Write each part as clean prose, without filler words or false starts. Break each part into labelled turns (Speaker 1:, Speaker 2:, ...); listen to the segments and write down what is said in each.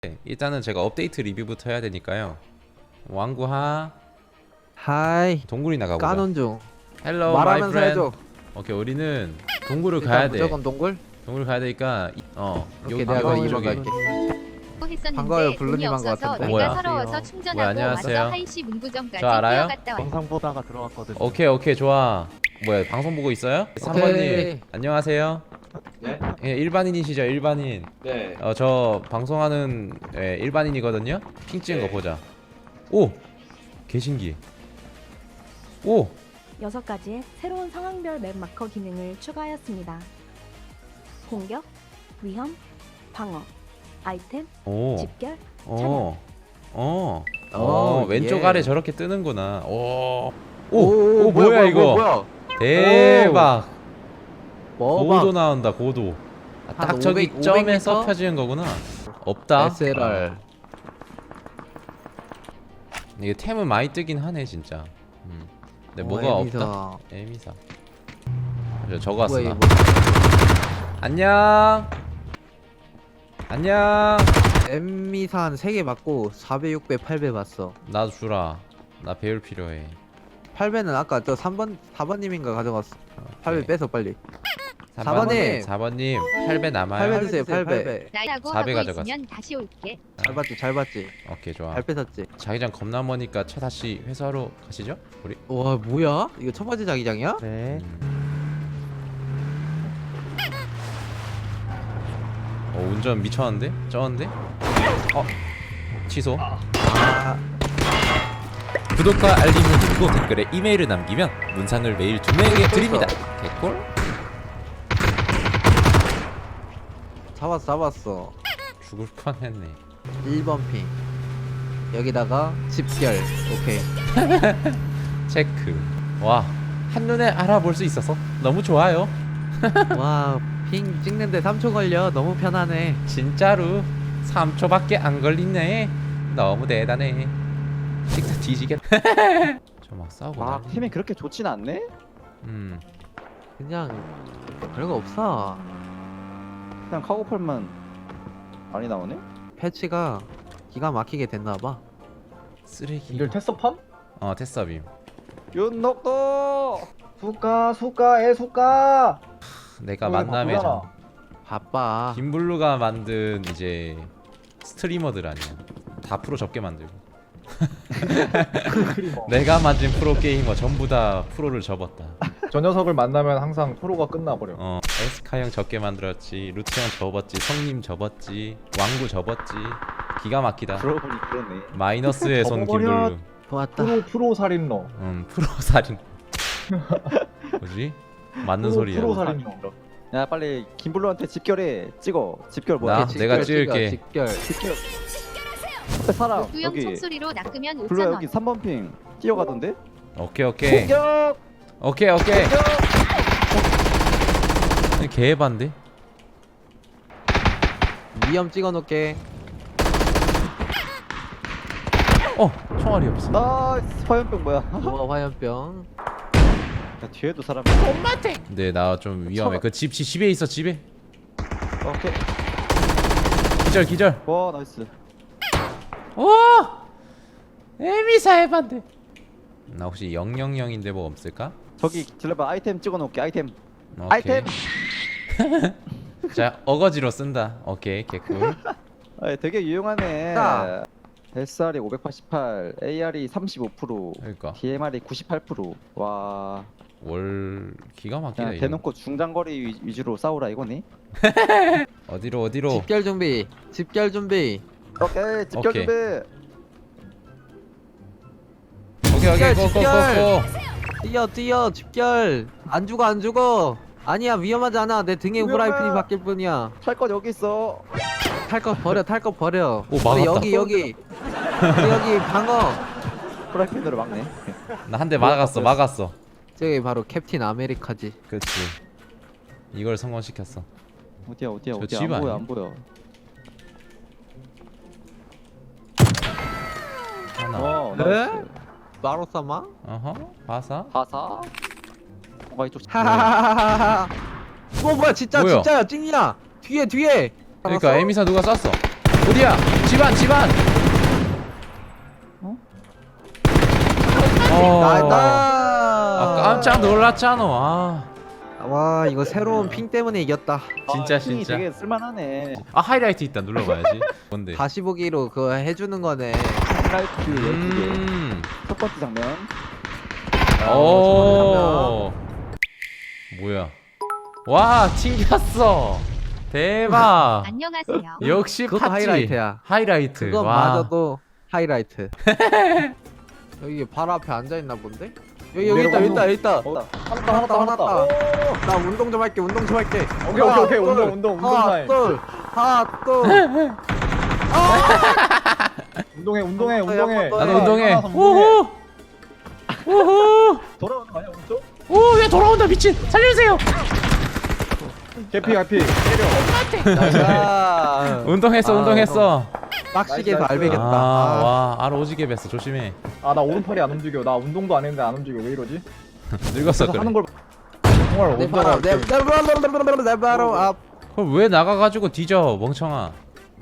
Speaker 1: 일단은 제가 업데이트 리뷰부터 해야 되니까요. 왕구하
Speaker 2: 하이
Speaker 1: 동굴이 나가보자.
Speaker 2: 까논 중
Speaker 1: 헬로 마이
Speaker 2: 말하면서
Speaker 1: 프렌드.
Speaker 2: 해줘.
Speaker 1: 오케이, 우리는 동굴을
Speaker 2: 일단
Speaker 1: 가야 돼.
Speaker 2: 무조건 동굴?
Speaker 1: 동굴 가야 되니까
Speaker 2: 오케이,
Speaker 1: 여기
Speaker 2: 내가
Speaker 1: 방금
Speaker 2: 이번
Speaker 1: 저기
Speaker 2: 갈게.
Speaker 3: 했었는데
Speaker 2: 반가워요,
Speaker 3: 돈이
Speaker 2: 블루님 한것
Speaker 3: 없어서
Speaker 2: 같은데.
Speaker 1: 뭐야?
Speaker 3: 내가 서러워서 충전하고
Speaker 1: 뭐야, 안녕하세요.
Speaker 3: 와서 하이시 문구점까지
Speaker 1: 저 알아요?
Speaker 3: 뛰어갔다 왔다.
Speaker 4: 영상 보다가 들어왔거든요.
Speaker 1: 오케이 좋아. 뭐야, 방송 보고 있어요? 3번님 안녕하세요.
Speaker 5: 네?
Speaker 1: 예, 일반인이시죠? 일반인.
Speaker 5: 네.
Speaker 1: 저 방송하는 일반인이거든요. 핑 찍은 거 보자. 오! 개신기. 오!
Speaker 6: 6가지의 새로운 상황별 맵 마커 기능을 추가하였습니다. 공격, 위험, 방어, 아이템,
Speaker 1: 오.
Speaker 6: 집결,
Speaker 1: 왼쪽
Speaker 2: 예.
Speaker 1: 아래 저렇게 뜨는구나. 오.
Speaker 2: 오,
Speaker 1: 오, 뭐야 이거?
Speaker 2: 뭐야?
Speaker 1: 대박. 고도
Speaker 2: 뭐봐?
Speaker 1: 나온다, 고도. 딱
Speaker 2: 한
Speaker 1: 저기
Speaker 2: 500
Speaker 1: 점에서
Speaker 2: 500m?
Speaker 1: 펴지는 거구나. 없다.
Speaker 2: SLR.
Speaker 1: 이게 템은 많이 뜨긴 하네 진짜. 근데 뭐가 없다. 에미사. 저거 왔어. 나. 안녕. 안녕.
Speaker 2: 엠미사 한 3개 받고 4배, 6배, 8배 봤어.
Speaker 1: 나도 주라. 나 배울 필요해.
Speaker 2: 8배는 아까 저 3번, 4번님인가 가져갔어. 8배 빼서 빨리.
Speaker 1: 4번님.
Speaker 2: 4번님.
Speaker 1: 4번님 8배 남아요.
Speaker 2: 8배 주세요, 8배.
Speaker 3: 나라고
Speaker 1: 4배
Speaker 3: 하고
Speaker 1: 가져갔어.
Speaker 3: 있으면 다시 올게.
Speaker 2: 잘 봤지, 잘 봤지.
Speaker 1: 오케이, 좋아.
Speaker 2: 잘 뺏었지.
Speaker 1: 자기장 겁나 머니까 차 다시 회사로 가시죠? 우리?
Speaker 2: 와, 뭐야? 이거 첫 번째 자기장이야?
Speaker 4: 네.
Speaker 1: 운전 미쳤는데? 쩌는데? 취소. 구독과 알림을 누르고 댓글에 이메일을 남기면 문상을 매일 2명에게 드립니다. 개꿀?
Speaker 2: 잡았어.
Speaker 1: 죽을 뻔했네.
Speaker 2: 1번 핑. 여기다가 집결. 오케이.
Speaker 1: 체크. 와, 한눈에 알아볼 수 있어서 너무 좋아요.
Speaker 2: 와, 핑 찍는데 3초 걸려. 너무 편하네.
Speaker 1: 진짜로 3초밖에 안 걸리네. 너무 대단해. 진짜 뒤지겠다. 저 막 싸우고
Speaker 4: 아,
Speaker 1: 난리.
Speaker 4: 팀이 그렇게 좋진 않네?
Speaker 2: 그냥 별거 없어.
Speaker 4: 그냥 카고팔만 많이 나오네?
Speaker 2: 패치가 기가 막히게 됐나봐.
Speaker 1: 쓰레기.
Speaker 5: 이걸 테스트팜?
Speaker 1: 테스터빔.
Speaker 4: 윤녹도!
Speaker 5: 수가 애수가.
Speaker 1: 내가 만남의 장.
Speaker 2: 바빠.
Speaker 1: 김블루가 만든 이제 스트리머들 아니야. 다 프로 접게 만들고. 내가 만든 프로 게이머 전부 다 프로를 접었다.
Speaker 5: 저 녀석을 만나면 항상 프로가 끝나버려.
Speaker 1: 에스카 형 접게 만들었지, 루트 형 접었지, 성님 접었지, 왕구 접었지. 기가 막히다.
Speaker 4: 그러고 보니 그러네.
Speaker 1: 마이너스의 손
Speaker 5: 접어버려.
Speaker 1: 김블루.
Speaker 2: 좋았다.
Speaker 5: 프로 살인러.
Speaker 1: 프로 살인. 뭐지? 맞는 소리야.
Speaker 5: 프로 살인러.
Speaker 4: 야, 빨리 김블루한테 집결해. 찍어. 집결 뭐야?
Speaker 1: 나?
Speaker 2: 오케이,
Speaker 1: 내가
Speaker 2: 집결,
Speaker 1: 찍을게.
Speaker 2: 집결.
Speaker 4: 집결. 앞에 사람.
Speaker 3: 수영
Speaker 4: 여기.
Speaker 3: 총소리로 낚으면
Speaker 4: 블루야,
Speaker 3: 5,000원.
Speaker 4: 여기 3번 핑. 뛰어가던데?
Speaker 1: 오케이.
Speaker 4: 공격!
Speaker 1: 오케이. 개반데?
Speaker 2: 위험 찍어놓게.
Speaker 1: 총알이 없어.
Speaker 4: 나이스! 화염병 뭐야?
Speaker 2: 우와, 화염병.
Speaker 4: 야, 뒤에도 사람.
Speaker 1: 근데 나 좀 위험해. 그 집에 있어, 집에.
Speaker 4: 오케이.
Speaker 1: 기절.
Speaker 4: 와, 나이스.
Speaker 1: 에미사 해반데. 나 혹시 000인데 뭐 없을까?
Speaker 4: 저기 들려봐. 아이템 찍어놓을게. 아이템.
Speaker 1: 오케이.
Speaker 4: 아이템!
Speaker 1: 자, 어거지로 쓴다. 오케이, 개꿀.
Speaker 4: 아, 되게 유용하네.
Speaker 2: 자.
Speaker 4: SR이 588, AR이 35%,
Speaker 1: 그러니까
Speaker 4: DMR이 98%. 와,
Speaker 1: 월 기가 막히다.
Speaker 4: 그냥
Speaker 1: 이거.
Speaker 4: 대놓고 중장거리 위주로 싸우라 이거니?
Speaker 1: 어디로?
Speaker 2: 집결 준비. 집결 준비.
Speaker 4: 오케이, 집결
Speaker 1: 오케이.
Speaker 4: 준비.
Speaker 1: 오케이.
Speaker 2: 집결.
Speaker 1: 고.
Speaker 2: 뛰어. 집결. 안 죽어. 아니야, 위험하지 않아. 내 등에
Speaker 4: 위험해.
Speaker 2: 후라이팬이 바뀔 뿐이야.
Speaker 4: 탈 것 여기 있어.
Speaker 2: 탈 거 버려.
Speaker 1: 오, 막았다.
Speaker 2: 여기 방어.
Speaker 4: 프라이팬으로 막네.
Speaker 1: 나 한 대 막았어.
Speaker 2: 저기 바로 캡틴 아메리카지.
Speaker 1: 그렇지. 이걸 성공시켰어.
Speaker 4: 어디야?
Speaker 1: 저 집
Speaker 4: 안
Speaker 1: 아니야?
Speaker 4: 보여.
Speaker 1: 하나.
Speaker 4: 나이스.
Speaker 2: 마로사마?
Speaker 1: 어허. 바사.
Speaker 4: 하사. 뭔가 이쪽.
Speaker 2: 하하하하하. 뭐야,
Speaker 1: 뭐야?
Speaker 2: 진짜야, 찐이야. 뒤에.
Speaker 1: 그러니까
Speaker 2: 알았어?
Speaker 1: 에미사 누가 쐈어? 어디야? 집 집안.
Speaker 2: 나이다.
Speaker 1: 깜짝 놀랐잖아.
Speaker 2: 와 이거 새로운 핑 때문에 이겼다.
Speaker 1: 진짜,
Speaker 4: 핑이
Speaker 1: 진짜.
Speaker 4: 되게 쓸만하네.
Speaker 1: 하이라이트 있다. 눌러봐야지. 뭔데?
Speaker 2: 다시 보기로 그거 해주는 거네.
Speaker 4: 하이라이트 12개. 첫 번째 장면.
Speaker 1: 오. 뭐야? 와, 튕겼어. 대박.
Speaker 3: 안녕하세요.
Speaker 1: 역시
Speaker 2: 그것도
Speaker 1: 팥지.
Speaker 2: 하이라이트야.
Speaker 1: 하이라이트.
Speaker 2: 그건
Speaker 1: 와.
Speaker 2: 맞아도 하이라이트. 여기 바로 앞에 앉아 있나 본데? 여기 있다.
Speaker 5: 하났다.
Speaker 2: 나 운동 좀 할게.
Speaker 5: 오케이. 운동 타임.
Speaker 2: 하나 둘.
Speaker 5: 운동해.
Speaker 2: 나도
Speaker 1: 운동해.
Speaker 5: 하나 더
Speaker 1: 우후. 우후.
Speaker 5: 돌아오는 거 아니야 오른쪽?
Speaker 1: 오, 얘 돌아온다. 미친. 살려주세요.
Speaker 5: 개피.
Speaker 2: 자,
Speaker 1: 운동했어.
Speaker 2: 빡시게서
Speaker 5: 나이스.
Speaker 2: 알배겠다.
Speaker 1: 와, 알 오지게 뱄어. 조심해.
Speaker 5: 아 나 오른팔이 안 움직여. 나 운동도 안 했는데 안 움직여. 왜 이러지?
Speaker 1: 늙었어
Speaker 5: 그래서
Speaker 1: 그래.
Speaker 5: 하는 걸 정말
Speaker 2: 내 바로 내 바로 앞.
Speaker 1: 그럼 왜 나가가지고 뒤져 멍청아.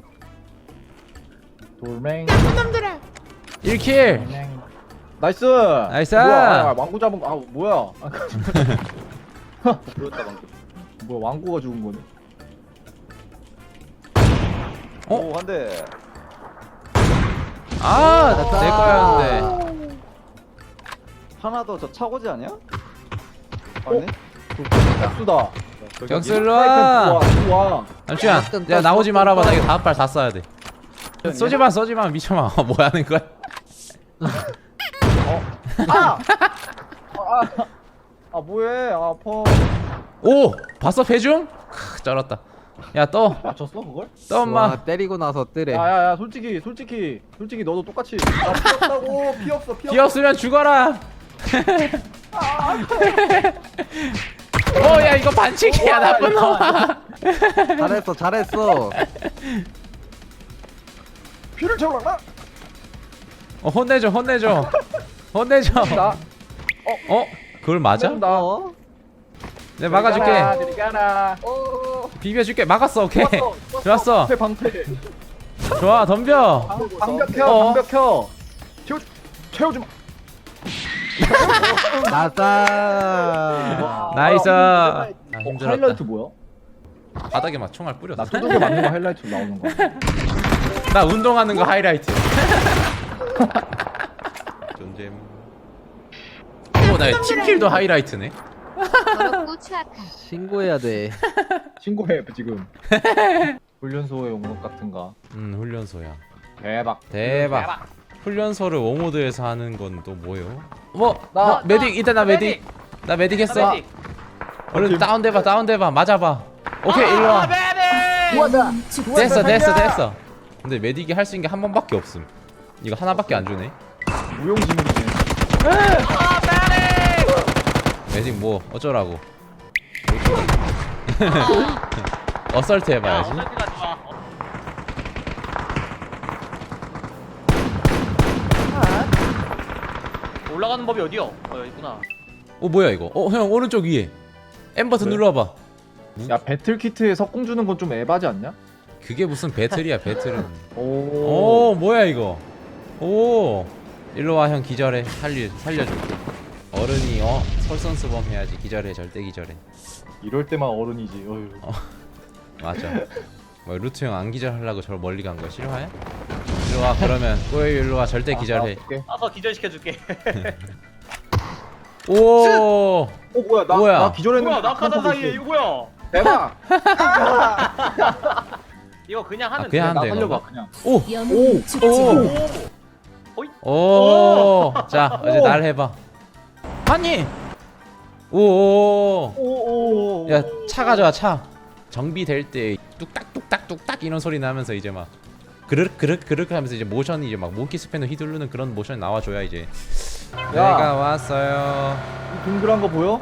Speaker 5: 돌멩.
Speaker 1: 1킬.
Speaker 5: 나이스.
Speaker 1: 나이스.
Speaker 5: 뭐야? 왕구 잡은 거. 아 뭐야?
Speaker 4: 그렇다 방금.
Speaker 5: 뭐야 왕구가 죽은 거네.
Speaker 1: 어?
Speaker 4: 오, 한 대.
Speaker 1: 아, 내 거였는데.
Speaker 4: 하나 더 저 차고지 아니야? 아니?
Speaker 5: 격수다.
Speaker 1: 경수 일로 와.
Speaker 5: 좋아.
Speaker 1: 잠시만. 야 나오지 말아봐. 나 이거 다음 발 다 쏴야 돼. 쏘지마 미쳐마. 뭐 하는 거야?
Speaker 5: 아 뭐해? 아 아파.
Speaker 1: 오, 봤어 배중? 쩔었다. 야 떠.
Speaker 5: 맞췄어 그걸?
Speaker 1: 떠 엄마.
Speaker 2: 와, 때리고 나서 뜨래.
Speaker 5: 야야야 솔직히 너도 똑같이. 나 피 없다고. 피 없어.
Speaker 1: 비 없으면 죽어라. 야 이거 반칙이야 나쁜 놈아.
Speaker 2: 잘했어.
Speaker 5: 피를 채우라.
Speaker 1: 혼내줘.
Speaker 5: 나.
Speaker 1: 그걸 맞아?
Speaker 5: 나.
Speaker 1: 내가 막아줄게.
Speaker 5: 들이가라.
Speaker 1: 비벼줄게. 막았어. 오케이. 좋았어.
Speaker 5: 방패.
Speaker 1: 좋아 덤벼.
Speaker 5: 방벽 켜. 채워주마.
Speaker 2: 나다.
Speaker 1: 나이스. 아, 힘들었다.
Speaker 5: 하이라이트 뭐야?
Speaker 1: 바닥에 막 총알 뿌렸어.
Speaker 5: 나 두둑에 맞는 거 하이라이트로 나오는 거.
Speaker 1: 나 운동하는 거 하이라이트. 존잼. 나 팀킬도 하이라이트네.
Speaker 3: 더럽고 추악한
Speaker 2: 신고해야 돼.
Speaker 5: 신고해 지금. 훈련소에 온 것 같은가.
Speaker 1: 훈련소야.
Speaker 5: 대박.
Speaker 1: 훈련소를 워모드에서 하는 건 또 뭐예요?
Speaker 5: 나
Speaker 1: 메딕 일단 나 메딕. 나 메딕 했어. 얼른 다운돼봐. 맞아봐. 오케이 일로 와. 됐어. 근데 메딕이 할 수 있는 게 한 번밖에 없음. 이거 하나밖에 안 주네.
Speaker 5: 무용지물이네.
Speaker 1: 메딕 뭐 어쩌라고. 어설트 해봐야지.
Speaker 7: 올라가는 법이 어디요? 여기 있구나.
Speaker 1: 뭐야 이거? 형 오른쪽 위에 M 버튼
Speaker 5: 왜?
Speaker 1: 눌러봐.
Speaker 5: 야 배틀 키트에 석궁 주는 건 좀 에바지 않냐?
Speaker 1: 그게 무슨 배틀이야 배틀은.
Speaker 5: 오.
Speaker 1: 뭐야 이거. 일로 와 형 기절해. 살려줄게. 어른이 솔선수범 해야지. 기절해 절대 기절해.
Speaker 5: 이럴 때만 어른이지. 어휴.
Speaker 1: 맞아. 뭐 루트 형 안 기절하려고 저 멀리 간 거 싫어해? 일로 와 그러면 꼬이 일로 와 절대 기절해.
Speaker 7: 가서 기절시켜줄게.
Speaker 1: 오.
Speaker 5: 뭐야
Speaker 1: 뭐야?
Speaker 5: 나 기절했는데.
Speaker 7: 뭐야 낙하산 사이에 이거 뭐야?
Speaker 5: 대박.
Speaker 7: 이거 그냥 하면
Speaker 1: 그냥
Speaker 7: 돼.
Speaker 1: 하면
Speaker 5: 나
Speaker 1: 돼,
Speaker 5: 살려봐
Speaker 1: 건가?
Speaker 5: 그냥.
Speaker 6: 영웅 죽지.
Speaker 1: 자 이제 날 해봐. 아니.
Speaker 5: 오오.
Speaker 1: 야 차 가져와 차. 정비될 때 뚝딱 이런 소리 나면서 이제 막 그르륵 하면서 이제 모션이 이제 막 모키 스패너 휘두르는 그런 모션이 나와줘야 이제 내가 왔어요.
Speaker 5: 이 동그란 거 보여?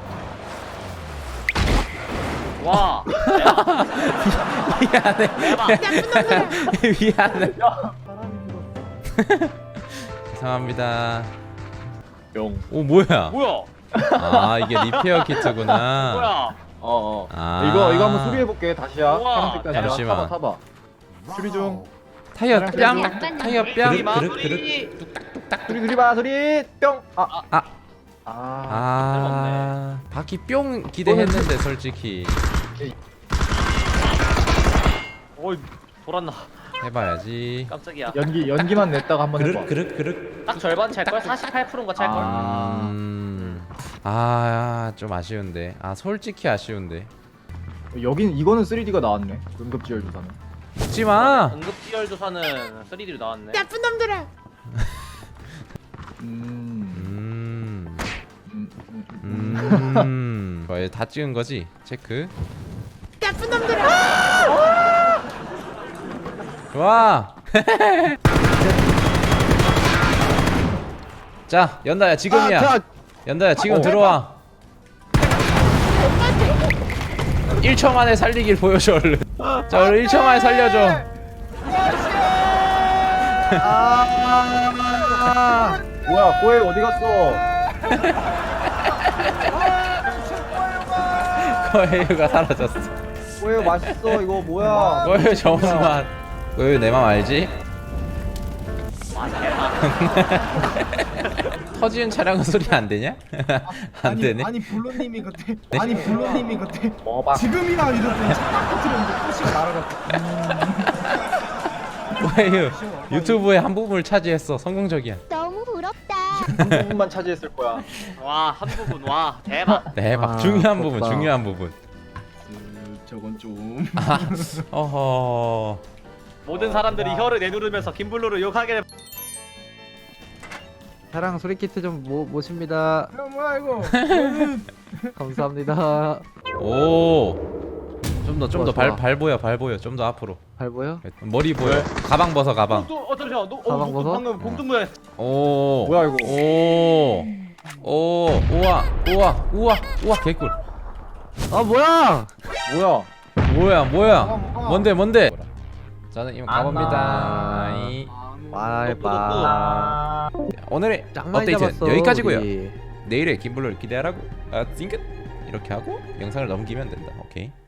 Speaker 7: 와.
Speaker 1: 미안해. 죄송합니다.
Speaker 5: 영.
Speaker 1: 뭐야?
Speaker 7: 뭐야?
Speaker 1: 아 이게 리페어 키트구나.
Speaker 7: 뭐야?
Speaker 1: 아.
Speaker 5: 이거 한번 수리해 볼게. 다시야.
Speaker 7: 우와.
Speaker 5: 파란색 다시야.
Speaker 1: 잠시만.
Speaker 5: 타봐. 수리 중.
Speaker 1: 타이어 뺨
Speaker 3: 약간
Speaker 1: 타이어 뺨
Speaker 7: 그리 마,
Speaker 1: 그릇
Speaker 7: 소리.
Speaker 1: 그릇 뚝딱뚝딱
Speaker 5: 소리 소리 봐 소리 뿅.
Speaker 1: 아. 아 바퀴 뿅 기대했는데 솔직히
Speaker 7: 어이 돌았나.
Speaker 1: 해봐야지.
Speaker 7: 깜짝이야.
Speaker 5: 연기만 냈다가 한번 해봐.
Speaker 1: 그릇
Speaker 7: 딱 절반 찰 걸. 48%인가 찰 걸.
Speaker 1: 좀 아쉬운데. 아 솔직히 아쉬운데.
Speaker 5: 여긴 이거는 3D가 나왔네. 응급지열 조사는.
Speaker 1: 웃지마.
Speaker 7: 응급지열 조사는 3D로 나왔네.
Speaker 1: 뭐야 다 찍은 거지? 체크. 좋아. 자 연다야 지금이야. 연다야 지금 들어와. 1초 만에 살리길 보여줘 얼른. 자 얼른 1초 만에 살려줘.
Speaker 5: 뭐야 꼬에 어디 갔어?
Speaker 1: 거해유가 사라졌어.
Speaker 5: 꼬에 맛있어 이거 뭐야?
Speaker 1: 거해유 정수만. 거해유 내 맘 알지?
Speaker 7: 와 대박.
Speaker 1: 터지는 차량은 소리 안 되냐? 안 되네.
Speaker 8: 아니 블루님이 그때
Speaker 1: 네?
Speaker 8: 아니 블루님이 그때
Speaker 5: 먹어봐.
Speaker 8: 지금이야 이랬더니 착각 들었는데 토시가 날아갔어.
Speaker 1: 거해유 유튜브의 한 부분을 차지했어. 성공적이야.
Speaker 3: 너무 부럽다.
Speaker 5: 한 부분만 차지했을 거야.
Speaker 7: 와 한 부분 와 대박.
Speaker 1: 대박.
Speaker 2: 아,
Speaker 1: 중요한 부분
Speaker 2: 부럽다.
Speaker 1: 중요한 부분.
Speaker 8: 저건 좀
Speaker 1: 어허.
Speaker 7: 모든 사람들이 혀를 내누르면서 김블루를 욕하게.
Speaker 2: 사랑 소리키트 좀 모십니다.
Speaker 8: 뭐야 이거
Speaker 2: 감사합니다.
Speaker 1: 오. 좀 더
Speaker 2: 좋아.
Speaker 1: 발 보여 발 보여. 좀 더 앞으로.
Speaker 2: 발 보여?
Speaker 1: 머리 보여. 가방 벗어 가방.
Speaker 7: 잠시만.
Speaker 2: 가방 벗어?
Speaker 7: 방금 봉tum 모양.
Speaker 1: 오.
Speaker 5: 뭐야, 이거?
Speaker 1: 오. 우와 개꿀.
Speaker 2: 아 뭐야?
Speaker 5: 뭐야?
Speaker 1: 뭐야? 뭔데? 저는 이만 가봅니다.
Speaker 2: 빠이빠이.
Speaker 1: 오늘의
Speaker 2: 짱 많이
Speaker 1: 업데이트는
Speaker 2: 잡았어,
Speaker 1: 여기까지고요.
Speaker 2: 우리.
Speaker 1: 내일의 김블루를 기대하라고. 띵긋 이렇게 하고 영상을 넘기면 된다. 오케이.